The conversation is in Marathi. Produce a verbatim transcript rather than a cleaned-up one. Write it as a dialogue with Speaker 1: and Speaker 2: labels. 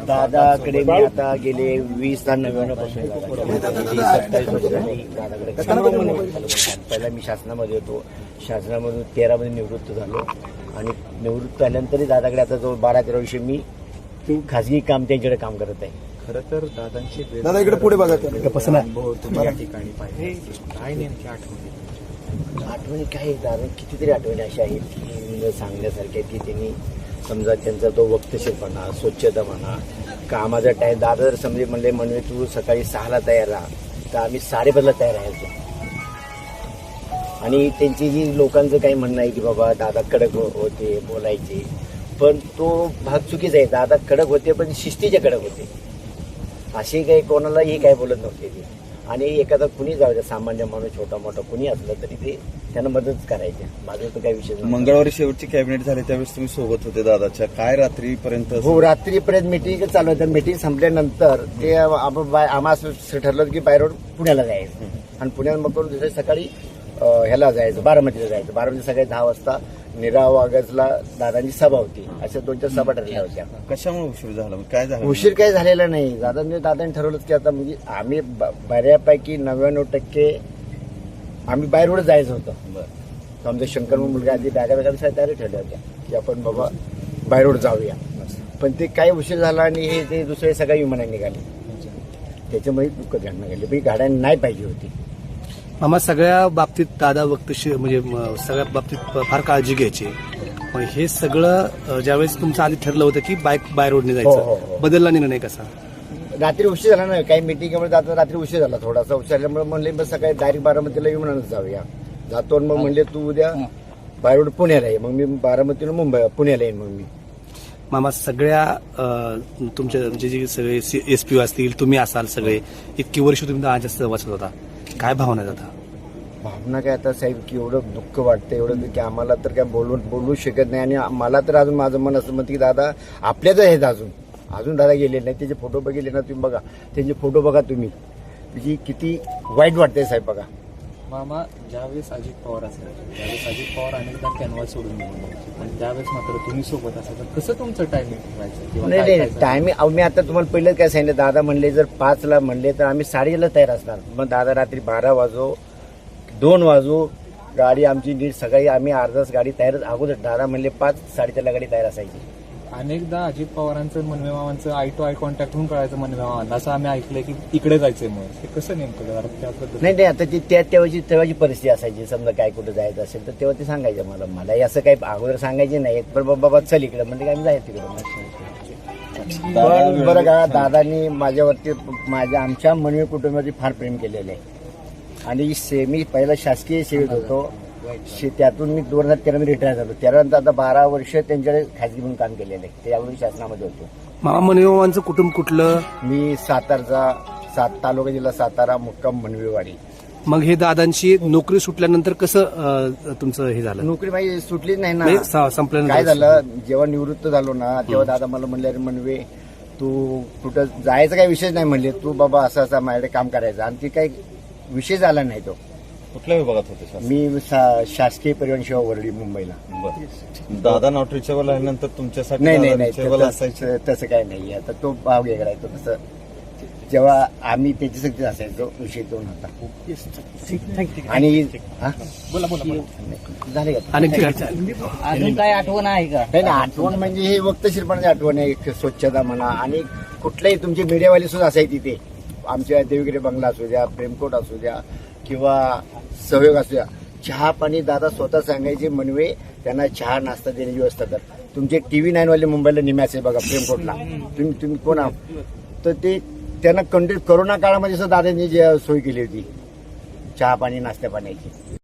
Speaker 1: दादाकडे मी आता गेले वीस आणि नव्याण्णव पासून सत्तावीस वर्ष झाली दादाकडे. पहिला मी शासनामध्ये होतो, शासनामधून तेरामध्ये निवृत्त झालो आणि निवृत्त झाल्यानंतरही दादाकडे आता जवळ बारा तेरा वर्ष मी खाजगी काम त्यांच्याकडे काम करत आहे.
Speaker 2: खरं तर दादांची
Speaker 3: दादा इकडे पुढे बघा.
Speaker 2: अनुभव तुम्ही या ठिकाणी पाहिले, काय नेमकी आठवणी?
Speaker 1: आठवणी काय दादा कितीतरी आठवणी अशा आहेत की सांगण्यासारख्या की त्यांनी समजा त्यांचा तो वक्तशीरपणा, स्वच्छता म्हणा, कामाचा टाईम. दादा जर समजे म्हणले म्हणले तू सकाळी सहाला तयार राहा तर आम्ही साडेपाचला तयार राहायचो. आणि त्यांची जी लोकांचं काही म्हणणं आहे की बाबा दादा कडक होते बोलायचे, पण तो भाग चुकीचा आहे. दादा कडक होते पण शिस्तीचे कडक होते. असे काही कोणालाही काय बोलत नव्हते ते. आणि एखादा कुणी जाऊ द्या, सामान्य माणूस छोटा मोठा कुणी असलं तरी ते त्यांना मदत करायचे. माझं तर काही विषय नाही.
Speaker 3: मंगळवारी शेवटची कॅबिनेट झाली त्यावेळेस तुम्ही सोबत होते दादाच्या. काय रात्रीपर्यंत?
Speaker 1: हो, रात्रीपर्यंत मिटिंग चालू होतं. मिटिंग संपल्यानंतर ते आम्हाला ठरलं की बाय रोड पुण्याला जायचं आणि पुण्याला मग करून दुसऱ्या सकाळी ह्याला जायचं, बारामतीला जायचं. बारामती सकाळी दहा वाजता निरा वागजला दादांची सभा होती. अशा दोन चार सभा ठरल्या होत्या.
Speaker 3: कशामुळे उशीर झाला? काय झालं?
Speaker 1: उशीर काय झालेला नाही. दादांनी दादांनी ठरवलं की आता म्हणजे आम्ही बऱ्यापैकी नव्याण्णव टक्के आम्ही बाय रोड जायचं होतं. आमचा शंकर मुलगा आधी बॅगा बॅगा तयारी ठरल्या होत्या की आपण बाबा बाय रोड जाऊया. पण ते काय उशीर झाला आणि हे ते दुसरे सगळ्या विमानाने निघाले. त्याच्यामुळे दुःख घडणं घडली. पण गाड्या नाही पाहिजे होती.
Speaker 4: मामा सगळ्या बाबतीत दादा वक्तशीर म्हणजे सगळ्या बाबतीत फार काळजी घ्यायची. पण हे सगळं ज्यावेळेस तुमचं आधी ठरलं होतं की बाईक बाय रोडने
Speaker 1: हो, हो,
Speaker 4: जायचं,
Speaker 1: हो.
Speaker 4: बदलला निर्णय कसा?
Speaker 1: रात्री उशीर झाला ना, काही मिटिंगमुळे जाता रात्री उशीर झाला. थोडासा उशीर झाल्यामुळे म्हणले बस सकाळी डायरेक्ट बारामतीला विमानानं जाऊया. जातो मग म्हणले तू उद्या बाय रोड पुण्याला ये. मग मी बारामतीनं मुंबई पुण्याला येईन. मग मी
Speaker 4: मामा सगळ्या तुमच्या म्हणजे जे सगळे एसपी असतील, तुम्ही असाल, सगळे इतकी वर्ष तुम्ही दादाच्या सहवासात होता, काय भावना जाता?
Speaker 1: भावना काय आता साहेब की एवढं दुःख वाटतं एवढं की आम्हाला तर काय बोलू बोलू शकत नाही. आणि मला तर अजून माझं मन असं म्हणतं की दादा आपल्याच आहेत अजून अजून दादा गेले नाही. त्याचे फोटो बघितले ना तुम्ही, बघा त्यांचे फोटो बघा तुम्ही, म्हणजे किती वाईट वाटतंय साहेब. बघा
Speaker 2: मामा, ज्यावेळेस अजित पवार असेल त्यावेळेस अजित पवार अनेकदा कॅनव्हास सोडून निघून आणि त्यावेळेस मात्र तुम्ही सोबत असाल तर कसं तुमचं टायमिंग व्हायचं?
Speaker 1: नाही नाही टायमिंग मी आता तुम्हाला पहिलं काय सांगितलं, दादा म्हणले जर पाचला म्हणले तर आम्ही साडेला तयार असणार. मग दादा रात्री बारा वाजो दोन वाजो गाडी आमची नीट सकाळी आम्ही अर्धाच गाडी तयारच अगोदर. दादा म्हणले पाच साडेचारला गाडी तयार असायची.
Speaker 2: अनेकदा अजित पवारांचं मनवे मामांचं आय टू आय कॉन्टॅक्ट होऊन कळायचं मनवे मामांना, असं आम्ही ऐकलंय की तिकडे जायचंय. मग हे कसं नेमकं त्याबद्दल?
Speaker 1: नाही नाही आता ती त्या तेव्हाची तेव्हाची परिस्थिती असायची. समजा काय कुठं जायचं असेल तर तेव्हा ते सांगायचं मला. मलाही असं काही अगोदर सांगायचे नाही, पण बाबा चल इकडे म्हणजे आम्ही जायचं तिकडं. पण बरं का, दादांनी माझ्यावरती माझ्या आमच्या मनवे कुटुंबावरती फार प्रेम केलेलं आहे. आणि सेमी पहिला शासकीय सेवेत होतो, त्यातून मी दोन हजार तेरा मध्ये रिटायर झालो. त्यानंतर आता बारा वर्ष त्यांच्याकडे खाजगी म्हणून काम केलेलं आहे. त्यावेळी शासनामध्ये होतो.
Speaker 4: मामा मनवेमामांचं कुटुंब कुठलं?
Speaker 1: मी सातारचा, सात तालुका जिल्हा सातारा, मुक्काम मनवेवाडी.
Speaker 4: मग हे दादांची नोकरी सुटल्यानंतर कसं तुमचं हे झालं?
Speaker 1: नोकरी माझी सुटलीच नाही ना.
Speaker 4: संपल्यानंतर
Speaker 1: काय झालं, जेव्हा निवृत्त झालो ना तेव्हा दादा मला म्हणले अरे मनवे तू कुठं जायचं काही विषय नाही म्हणले, तू बाबा असं असं माझ्याकडे काम करायचं. आणि ती काही विषय झाला नाही. तो
Speaker 3: कुठल्या विभागात होते?
Speaker 1: मी शासकीय परिवहन सेवा वरळी मुंबईला.
Speaker 3: दादा नॉट रिचेबल आल्यानंतर तुमच्यासाठी
Speaker 1: नाही नाही नाही
Speaker 3: असायचं?
Speaker 1: तसं तसं काही नाही. आता तो भाव वेगळा आहे. तो तसं जेव्हा आम्ही त्याची सक्ती असायचो विषय तो नव्हता. आणि
Speaker 2: बोला बोला
Speaker 1: झाले का
Speaker 5: अजून काय आठवण आहे का?
Speaker 1: नाही नाही आठवण म्हणजे हे वक्तशीरपणाची आठवण आहे. स्वच्छता म्हणा आणि कुठल्याही तुमचे मीडियावाले सुद्धा असायचे तिथे. आमच्या देवगिरी बंगला असू द्या, प्रेमकोट असू द्या किंवा सहयोग असू द्या, चहा पाणी दादा स्वतः सांगायचे मनवे त्यांना चहा नाश्ता देण्याची व्यवस्था कर. तुमचे टीव्ही नाईन वाले मुंबईला निम्याचे बघा प्रेमकोटला, तुम्ही तुम्ही कोण आहात तर ते त्यांना कंटिन्यू कोरोना काळामध्ये सुद्धा दादांनी जी सोय केली होती चहा पाणी नाश्ता पाण्याची.